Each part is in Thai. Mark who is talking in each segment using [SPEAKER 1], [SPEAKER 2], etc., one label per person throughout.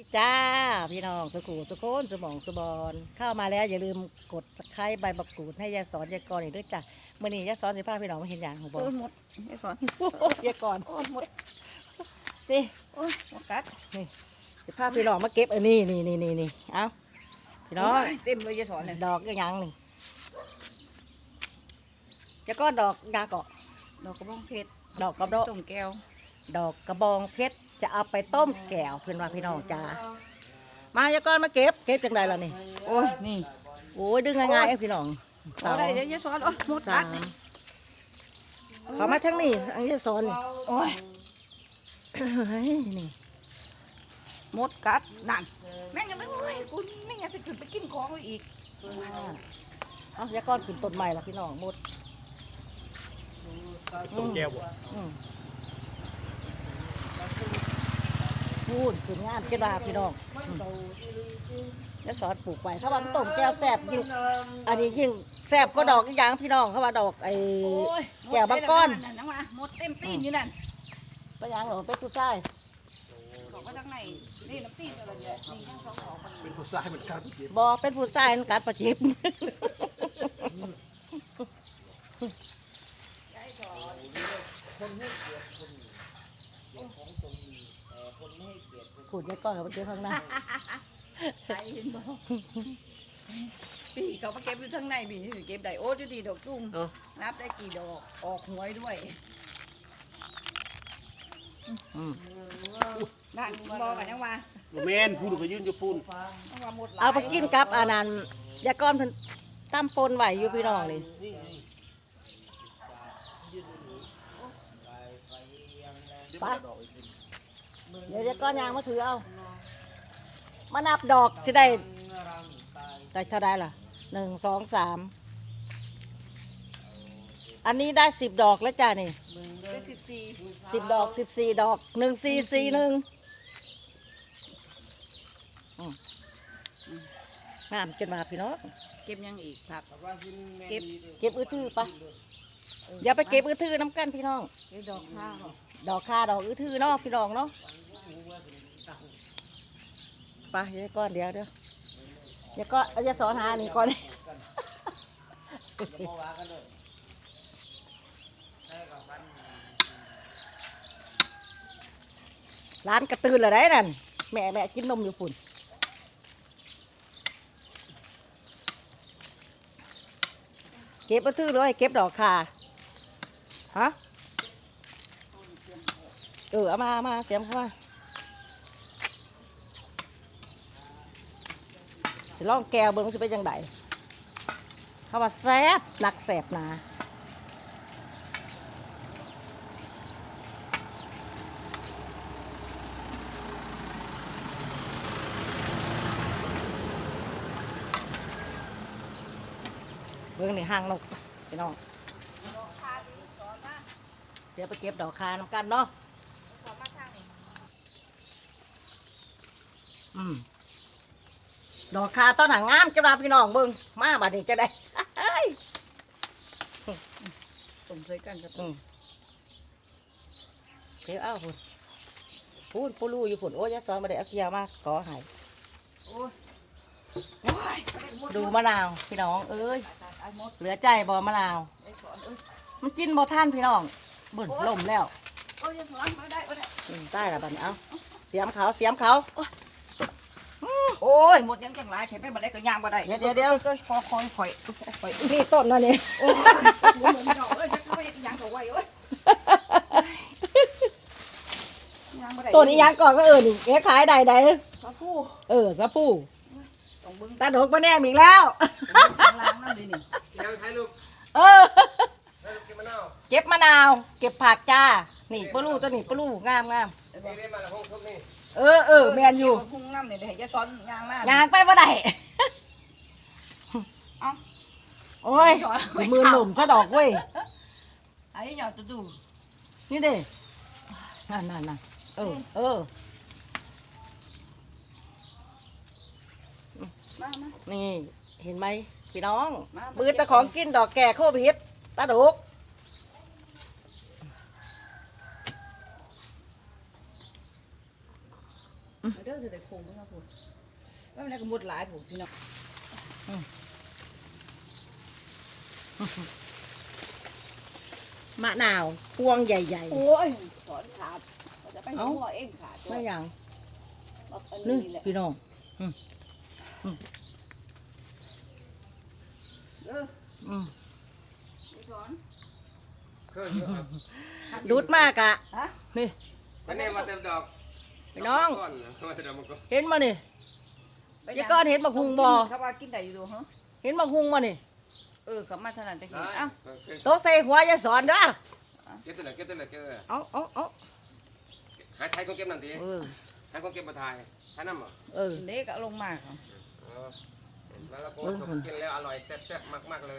[SPEAKER 1] ดีจ้าพี่น้องสุขุสุโคนสมองสุบอนเข้ามาแล้วอย่าลืมกดไคร้ใบบักกูดให้ยายสอนยายกรอีกด้วยจ้ะเมื่อนี้ยายสอนสิพาพี่น้องมาเห็นอย่างของบอ
[SPEAKER 2] โอ้
[SPEAKER 1] ก
[SPEAKER 2] ยหมดไม่สอน
[SPEAKER 1] ยายกร
[SPEAKER 2] โอ้ยหมด
[SPEAKER 1] นี่
[SPEAKER 2] โอ้ยหมดกัด
[SPEAKER 1] นี่สิพาพี่น้องมาเก็บอันนี้นี่เอาพี่น้อง
[SPEAKER 2] โยเต็มเลยจะสอนเลย
[SPEAKER 1] ดอกยังนี่ยายก้อนดอกยาเกาะ
[SPEAKER 2] ดอกกระบองเพชร
[SPEAKER 1] ดอกกระดอก
[SPEAKER 2] ต้มแก้ว
[SPEAKER 1] ดอกกระบองเพชรจะเอาไปต้มแก้วเพื่อนว่าพี่น้องจ้ามายายก้อนมาเก็บจังใดล่ะนี่
[SPEAKER 2] โอ้ยนี่
[SPEAKER 1] โอ้ยดึงง่ายๆเอ้ยพี่น้อง
[SPEAKER 2] เอาได้เดี๋ยวจะสอนโอ้ยหมด
[SPEAKER 1] สา
[SPEAKER 2] กัด
[SPEAKER 1] มเขามาทั้งนี้อันนี้สอนนี่
[SPEAKER 2] โอ้ย
[SPEAKER 1] เฮ้ยนี่
[SPEAKER 2] หมดกัดนั่นแม่งยังไม่โอ้ยกูแม่งยังจะขึ้นไปกินของไว้อีก
[SPEAKER 1] เอายาก้อนขึ้นต้นใหม่ละพี่น้องหมด
[SPEAKER 3] ต้มแก้วบ่
[SPEAKER 1] อืมพูดขึ้นงานเก็บมาพี่น้องยาสอนปลูกไปเขาว่ามันต้มแก้วแซ่บยิ่งอันนี้ยิ่งแซ่บก็ดอกอีกอย่างพี่น้องเขาว่าดอกไอ้
[SPEAKER 2] โอ้ย
[SPEAKER 1] แก้วบางก้อน
[SPEAKER 2] นั่นนะมาหมดเต็มตีนอยู่นั่น
[SPEAKER 1] ไปยังเหรอไปผู้ชาย
[SPEAKER 2] บอกว่าทางไหนนี่น้ำตีนอะไรเนี่ยนี่ยังสองของมัน
[SPEAKER 3] เป็นผู้ชายเหมือนกันเมื่อกี้
[SPEAKER 1] บอเป็นผู้ชายนันกัดประจิบ ขูดยาก้อนกับเก็บข้างหน้า
[SPEAKER 2] ใช่เห็นบ่ปีเขามาเก็บอยู่ทางในปีเก็บได้โอ้ยดีดอกตุ้ม นับได้กี่ดอกออกหวยด้วย
[SPEAKER 1] อืม
[SPEAKER 2] นั่นบอกกันยังว่า
[SPEAKER 3] บ่แม่นพูดก็ยืนอยู่พูน
[SPEAKER 2] ยังว่าหมดหลาย
[SPEAKER 1] เอาไปกินกับอันนั้นยาก้อนเพิ่นตั้มปนไหวอยู่พี่น้องนี่ไปเดี๋ยวยาก้อนยางมาถือเอามานับดอกจะได้เท่าไดล่ะ1 2 3อันนี้ได้10 ดอกแล้วจ้านี่
[SPEAKER 2] ได้14
[SPEAKER 1] 10 ดอก14 ดอก1441งามจนมาพี่น้อง
[SPEAKER 2] เก็บยังอีกครับ
[SPEAKER 1] เก็บอื้อทื่อปะอย่าไปเก็บอื้อทื่อน้ำกันพี่น้อง
[SPEAKER 2] เก็บดอกข้าว
[SPEAKER 1] ดอกคาดอกอื้อทื่อเนาะพี่น้องเนาะไปเดี๋ยวก่อนเดี๋ยวก็จะสอนหานี่ก่อน ร้านกระตือนเลยได้นั่นแม่กินนมอยู่ฝุ่นเก็บอื้อทื่อเลยเก็บดอกคาฮะเอามาเสียมเข้ามาสิล่องแก้วเบิ้งสิเป็นยังไงเขาว่าแซ่บหนักแซ่บหนาเบิ้งนี่ห้างนกพี่น้องเดี๋ยวไปเก็บดอกคาน้ำกันเนาะดอกคาต้นหางงามจะมาพี่น้องเบิ้งมาบัดนี้จะได้
[SPEAKER 2] ต้มใส่กันกับ
[SPEAKER 1] เดี๋ยวเอาพูนปูรูอยู่ฝุ่นโอ้ยยายสอนมาได้เอาเกียร์มาขอใหาย
[SPEAKER 2] โอ้ยโอ้ย
[SPEAKER 1] ดูมะนาวพี่น้องเอ้ย
[SPEAKER 2] ตายหมด
[SPEAKER 1] เหลือใจบ่มะนาว
[SPEAKER 2] ไอ้สอนเอ้ย
[SPEAKER 1] มันกินบ่ท่านพี่น้องเบิ่นล่มแล้ว
[SPEAKER 2] โอ้ยยังสอนมาได้บ่ได้
[SPEAKER 1] ใต้ละบัดนี้เอาเสียมเขา
[SPEAKER 2] โอ้ยหมดยังจังหลายแค่ไปบ่ได้ก็ย่างบ่ได้
[SPEAKER 1] เดี๋ยว
[SPEAKER 2] เอ้ยคอยข่อย
[SPEAKER 1] นี่ต้นนั่นนี่
[SPEAKER 2] โอ้ยเหมือนดอกเอ้ยจะไปย่างเขาไว้เอ้ยย่างบ่ได้
[SPEAKER 1] ต้นนี้ยังก่อนก็นี่แกขายได้
[SPEAKER 2] พระผู้
[SPEAKER 1] สะพู
[SPEAKER 2] ต้องเบิ่ง
[SPEAKER 1] ตาดกมาแน่อีกแล้ว
[SPEAKER 2] ข้างล่างนั่นดินี่
[SPEAKER 3] ยังถ่ายรูป
[SPEAKER 1] เออ
[SPEAKER 3] ถ่ายรูปกินมะนาว
[SPEAKER 1] เก็บมะนาว เก็บผักจ้านี่ปลูตัวนี้ปลูงาม
[SPEAKER 3] นี่ได้มาแล้วห้องทุบนี่
[SPEAKER 1] แมนอยู่
[SPEAKER 2] พุ่งน้ำนี่เดี๋ยวจะสอนย่างมาก
[SPEAKER 1] ยางไปบ่ได้
[SPEAKER 2] เอ้า
[SPEAKER 1] โอ้ยสิมือหนุ่มซะดอกเว้ย
[SPEAKER 2] ไอ้หยอดจะดู
[SPEAKER 1] นี่เด้นั่นเออ
[SPEAKER 2] มา
[SPEAKER 1] นี่เห็นไหมพี่น้อง
[SPEAKER 2] มา
[SPEAKER 1] ปืนตะของกินดอกแก่โควิดตาดุก
[SPEAKER 2] เด้อจะได้คงเพิ่นครับพุ่นว่ามันได้ก็หมดหลายพุ่นพี่น้อง
[SPEAKER 1] มะนาวพวงใหญ่
[SPEAKER 2] โอ้ยสอนขาดเราจะไปหัวเองขาด
[SPEAKER 1] ๆไม่อย่าง
[SPEAKER 2] อัน
[SPEAKER 1] นี่
[SPEAKER 2] นี้แหละ
[SPEAKER 1] พี่น้อง
[SPEAKER 2] เออ
[SPEAKER 1] อืม
[SPEAKER 2] นี่สอน
[SPEAKER 3] เคยเยอะครับ
[SPEAKER 1] ดูดมากอะ
[SPEAKER 2] ฮะ
[SPEAKER 1] นี่
[SPEAKER 3] อันนี้มาเต็มดอก
[SPEAKER 1] พี่น้อง
[SPEAKER 3] ก้อนมาเต็มดอกมันก็
[SPEAKER 1] เห็นมานี่ยายก้อนเห็นบักฮุงบ่
[SPEAKER 2] เขาว่ากินได้อยู่ดูฮะ
[SPEAKER 1] เห็นบักฮุงมานี่
[SPEAKER 2] เขามาเท่านั้นตะกี้
[SPEAKER 3] ได้
[SPEAKER 2] เอ้า
[SPEAKER 1] ตกใส่หัวยายสอนเด้อ
[SPEAKER 3] เก็บตัวไหนเก็บตัวไหนเก็บตัวไหน
[SPEAKER 1] เอา
[SPEAKER 3] หายไทยคนเก็บนั่นที
[SPEAKER 1] เออ
[SPEAKER 3] หายคนเก็บมาทายทายน้ำเหรอ
[SPEAKER 1] เออ
[SPEAKER 2] เด็กก็ลงมาครับ
[SPEAKER 3] เออแล้วเราก็สมกินแล้วอร่อยแซ่บๆมากๆเลย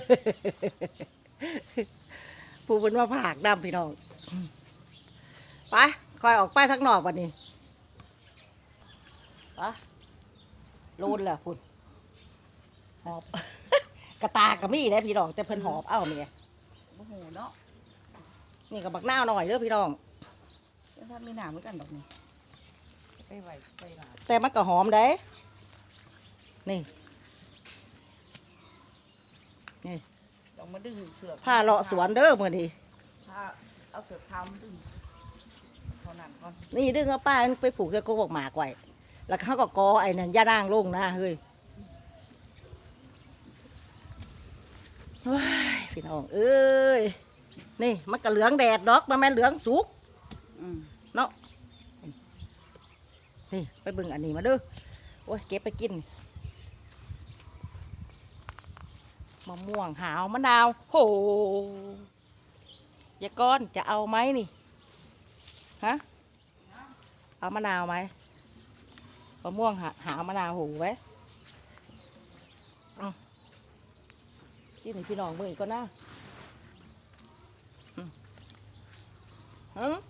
[SPEAKER 1] ผู้เป็นว่าผากดำพี่น้องไปคอยออกไปทักนอกวันนี้ไปโลนแหละพุ่นหอบ กระตากระมี่ได้พี่น้องแต่เพิ่นหอบเอ้าเมีย
[SPEAKER 2] โอ้โหเนาะ
[SPEAKER 1] นี่กับบักนาวหน่อยเด้อพี่น้อง
[SPEAKER 2] ถ้ามีหนามเหมือนกันดอกนี่ไปไหวไปหลา
[SPEAKER 1] แต่มันก็หอมได้นี่นี่
[SPEAKER 2] ต้องมาดึงเสือ
[SPEAKER 1] ผ้าเลาะสวนเด้อมื้อนี้
[SPEAKER 2] ผ้าเอาเสือเท้ามาดึงเท่านั้นก่อน
[SPEAKER 1] นี่ดึงเอาป้าไปผูกแล้วก็บอกหมากไว้แล้วเขาก็กอไอ้นั่นย่านางลงนะเฮ้ยว้ายพี่น้องเอ้ยนี่มันก็เหลืองแดดดอกมันแม่นเหลืองสุก
[SPEAKER 2] อืม
[SPEAKER 1] เนาะนี่ไปเบิ่งอันนี้มาเด้อโอ้ยเก็บไปกินมะม่วงหาวมะนาวโหยายก้อนจะเอาไหมนี่ฮะเอามะนาวไหมมะม่วงหาวมะนาวโหไว้กินให้พี่น้องเบิ่งอีกก่อนนะฮะ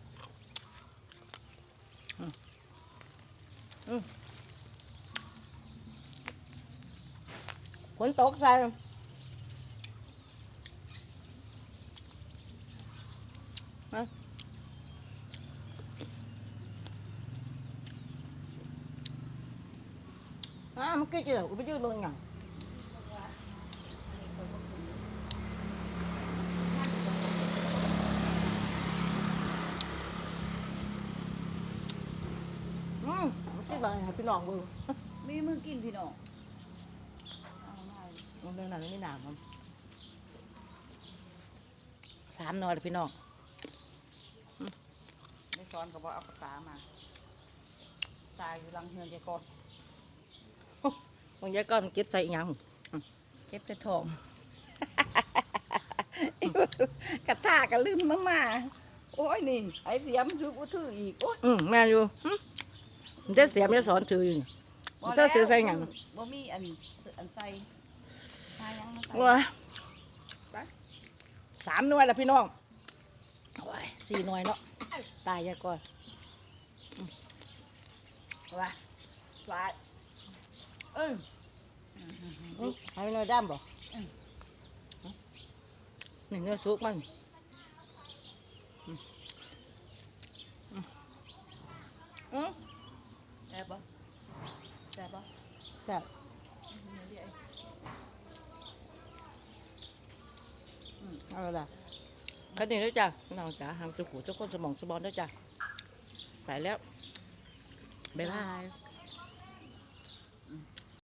[SPEAKER 1] ฝนตกใส่มันก็จะไปยืดลงอย่างมันก็แบบให้พี่น้องเบิ่ง
[SPEAKER 2] มีมือกินพี่น้องเอามา
[SPEAKER 1] เรื่องนั้นไม่หนาครับสามหนอยเลยพี่น้อง
[SPEAKER 2] ไม่ซ้อนก็บอกเอาปากกามาตายอยู่หลังเฮือนใจก่อน
[SPEAKER 1] บางยายก็มันเก็บใส่อีหยัง
[SPEAKER 2] เก็บแต่ทอง กระตากระลืมมาโอ้ยนี่ไอ้เสียมถือกูถืออีกโอ้ย
[SPEAKER 1] แม่อยู่มันจะเสียมจะสอนถืออยู่นี่มันจะซื้อใส่หยัง
[SPEAKER 2] บ่มีอันใส่ใส่ยังมาใส่
[SPEAKER 1] ว้า
[SPEAKER 2] ไป
[SPEAKER 1] สามหน่วยแล้วพี่น้องโอ้ยสี่หน่วยเนาะตายยายก่อนว้า
[SPEAKER 2] ปลา
[SPEAKER 1] ให้หน่อยด้ามบ่นี่เนื้อซุกมัน
[SPEAKER 2] แซ่บปะแซ่บปะ
[SPEAKER 1] แซ่บเอาละแค่นี้แล้วจ้ะน้องจ๋าหางจุกหูเจ้าคนสมองสมองด้วยจ้ะไปแล้วบ๊ายบาย